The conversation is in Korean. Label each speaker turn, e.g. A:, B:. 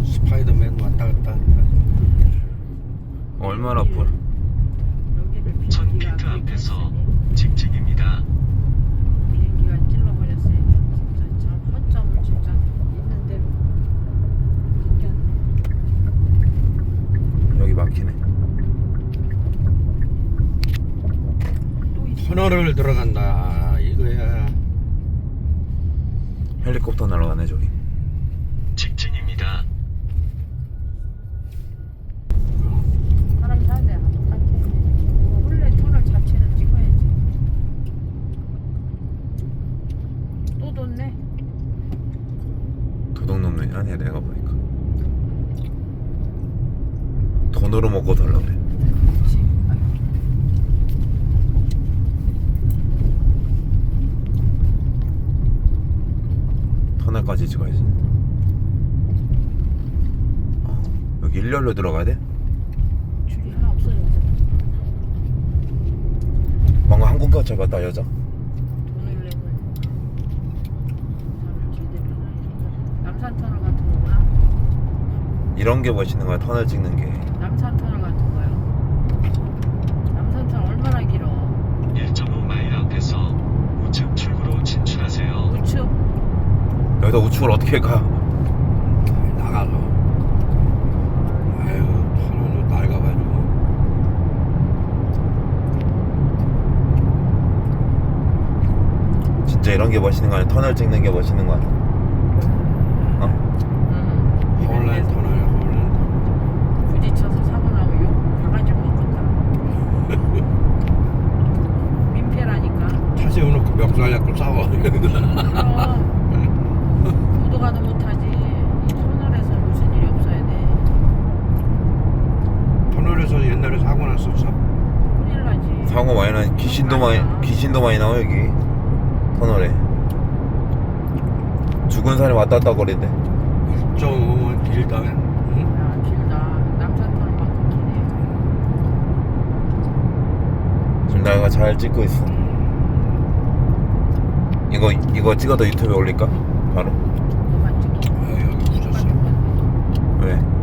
A: 스파이더맨 왔다 갔다.
B: 얼마나 아파.
C: 여기를
D: 1000피트 앞에서 직진입니다.
C: 비행기가 찔러버렸어요. 진짜 저 허점을 진짜 있는 대로 느꼈네.
B: 여기 막히네.
C: 또 있어.
A: 터널을 들어간다 이거야.
B: 헬리콥터 날아가네 저기.
D: 직진입니다.
C: 사람 사는 데랑 똑같아. 원래 터널 자체를 찍어야지. 또 뒀네.
B: 도둑놈이 아니야 내가 보니까. 돈으로 먹고 달라 그래.
C: 그렇지. 아이고.
B: 터널까지 찍어야지. 여기 일렬로 들어가야 돼?
C: 줄이 하나 없어졌잖아.
B: 방금 항공권 잡았다 여자.
C: 돈을 내고 사람을 제대로 해놔야지. 남산 터널 같은 거구나.
B: 이런 게 멋있는 거야 터널 찍는 게.
C: 남산 터널 같은 거요. 남산 터널 얼마나 길어?
D: 1.5마일 앞에서 우측 출구로 진출하세요.
C: 우측.
B: 여기다 우측을 어떻게 가?
A: 나가서. 아유 터널로 낡아가지고.
B: 진짜 이런 게 멋있는 거 아니야? 터널 찍는 게 멋있는 거 아니야?
A: 홀랜 터널 홀랜.
C: 부딪혀서 사고 나면 욕 바가지 먹겠다. 민폐라니까.
A: 타세워놓고 멱살 잡고 싸워.
C: 그럼 보도가도 못하지. 이 터널에서 무슨 일이 없어야 돼.
A: 터널에서 옛날에 사고 났었어.
C: 큰일 나지.
B: 사고 많이 나. 귀신도 많이 나와 여기 터널에. 죽은 사람이 왔다 갔다 거리는데.
A: 1.5면 길다. 응?
C: 야 길다. 남산 터널만큼 기네.
B: 지금 내가 잘 찍고 있어. 이거 찍어도 유튜브에 올릴까? 바로?
C: 그만 찍기.
A: 아, 여기 부셨어.
B: 왜?